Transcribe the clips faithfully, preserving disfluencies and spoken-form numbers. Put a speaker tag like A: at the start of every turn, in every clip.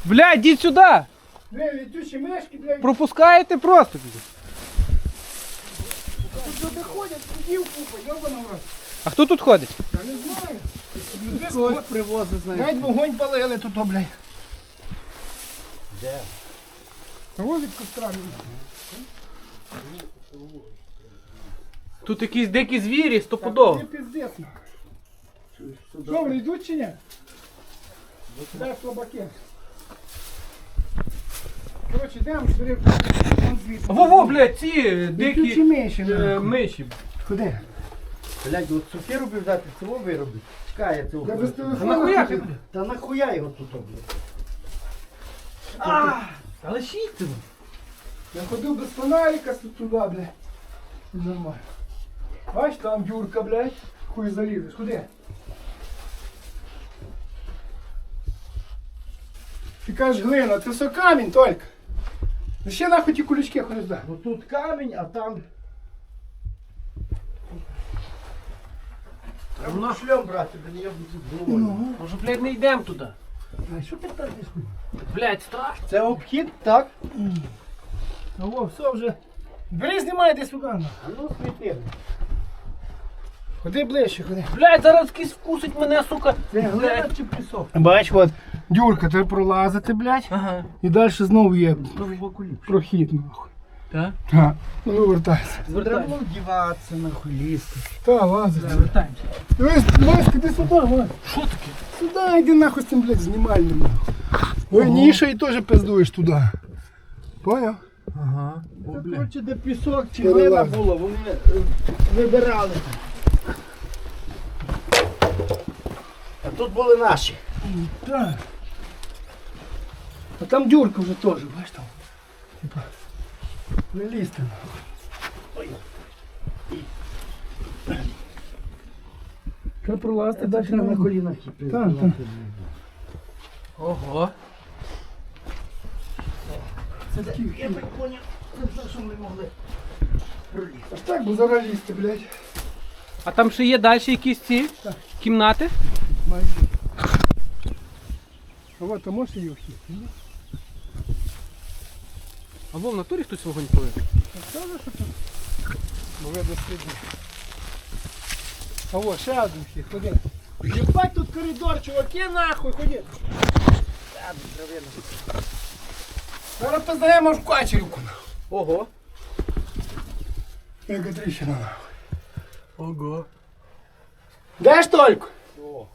A: Блядь, йдіть сюди!
B: Бля, летючі мешки, блядь.
A: Пропускаєте просто.
B: Тут люди ходять, ходів купа, йобана в рот.
A: А хто тут ходить?
B: Я не знаю.
C: Когось привозить, знаєш.
B: Навіть вогонь палили тут, о, блядь.
C: Де?
B: Возить кострами.
A: Тут якісь дикі звірі, стопудово.
B: Це пиздец. Що, вони йдуть чи ні? Дай слабаки. Коротше, йдемо, збери.
A: Во-во, блядь, ці
B: Летючі
A: дикі
B: миші,
A: е,
B: нахуй.
A: миші.
B: Куди?
C: Блядь, от сукеру би взяти, цього виробити. Чекай, я цього.
B: Я без
A: А
B: телефона.
A: нахуя
B: ходив.
A: ти?
C: Та нахуя його тут, блядь?
A: А, але шіться.
B: Я ходив без фонарика туди, блядь. Нормально. Бач, там Юрка, блядь. Хуй залізеш. Куди? Ти кажеш глина, це все камінь тільки. Ну ще нахуй ті кулички ходиш, да.
C: Ну тут камінь, а там... Треба на шльом брати, блядь, я буду головою.
A: Може, блядь, не йдемо туди.
B: А що ти там десь?
A: Блядь, страшно.
C: Це обхід, так?
B: Ну во, все вже. Бери, знімай десь сюди. нахуй.
C: А ну світи.
B: Ходи ближче, ходи.
A: Блядь, зараз кісь вкусить мене, сука.
C: Це глина
A: Блядь.
C: чи пісок?
B: Бач, от, дюрка, треба пролазити, блядь.
A: Ага.
B: І далі знову є
C: Ну, в боку ліпше.
B: прохід, нахуй.
A: Так?
B: Так, ну вивертайся.
C: Треба
A: Звертаємося.
C: було вдіватися, нахуй, лізти.
B: Та, лазить.
A: Звертаємося.
B: Дивись, Васька, ти сюди, Васька.
A: Що таке?
B: Сюди йди нахуй з цим, блядь, знімальним, нахуй. Ой, ніша і теж пиздуєш туди. Поняв?
A: Ага.
C: Це, коротше, де пісок чи
B: Перелазь.
C: глина було, вони е, вибирали. А тут були наші.
B: Так. А там дюрка вже теж, бачиш там. Типа, не лізти, нахуй. Треба пролазити далі
C: на
B: на
C: колінах і
B: Так, так.
A: Ого.
B: Це такі.
C: Я так поняв, це все, що ми могли пролізти.
B: А так, бо зараз лізти, блядь.
A: А там ще є далі якісь ці
B: Так.
A: кімнати?
B: Майже. А от, а можеш її вхід?
A: А во в натурі хтось вогонь палив?
B: Правда, що тут? Бо видно сліди. А о, ще один вхід, ходи. Єбать тут коридор, чуваки, нахуй, ходи. Зараз познаємо в качерівку, нахуй.
A: Ого.
B: Яка тріщина, нахуй.
A: Ого.
B: Де ж тільки?
C: О.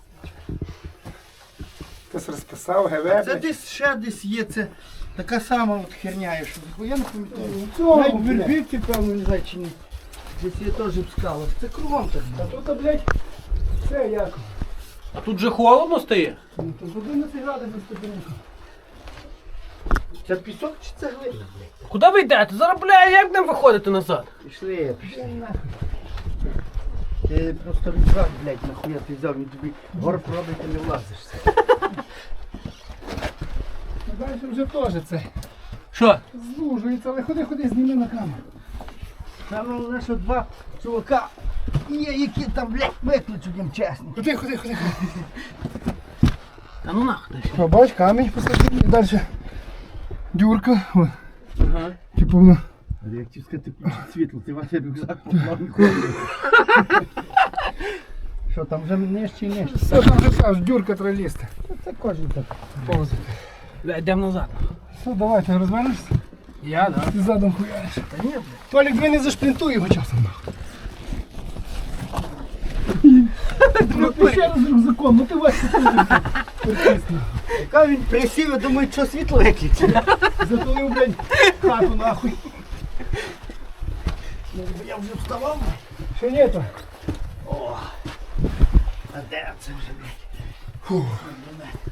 B: Хтось розписав,
C: А
B: ГВ.
C: це десь ще десь є, це така сама от херня, є, що я не пам'ятаю.
B: Цього,
C: Навіть в
B: блядь.
C: Вербівці, певно, не знаю чи ні. Десь є теж в скалах. Це кругом так.
B: А тут, блядь, все як.
A: А тут же холодно стає?
B: Ну, тут одинадцять градусів ступенька.
C: Це пісок чи це глина?
A: Куди ви йдете? Зараз, бля, як нам виходити назад?
C: Пішли, пішли. Ти просто рюкзак, блядь, нахуя ти взяв, він тобі горб робить, ти не влазиш.
B: А далі вже теж це.
A: Що?
B: Звужується, але ходи, ходи, зніми на камеру.
C: Там головне, що два чувака є, які там, блядь, викличуть їм чесно.
B: Ходи, ходи, ходи.
A: Та ну нахуй.
B: О, бач, камінь посадив і далі дюрка. О,
A: Ага.
B: типу воно.
C: Але як ті сказати, включить світло, ти ваш рюкзак поклав і ходить. Що, там вже нижче і нижче?
B: Все там вже аж дюрка треба лізти.
C: Це кожен так.
B: Повзати.
A: Бля, йдемо назад.
B: Все, давай, ти розвернешся?
A: Я, да.
B: Ти задом хуяриш.
C: Та ні, блядь.
B: Толік, ви не зашпринтуй його часом. Ну ти ще раз з рюкзаком, ну ти Вася притисни.
C: Яка він присів, я думаю, що світло виключить.
B: Затулив, блядь, хату нахуй.
C: Ну, я вже вставав.
B: Ще ні то.
C: О, а де це вже, блядь?
B: Фу.
C: До мене.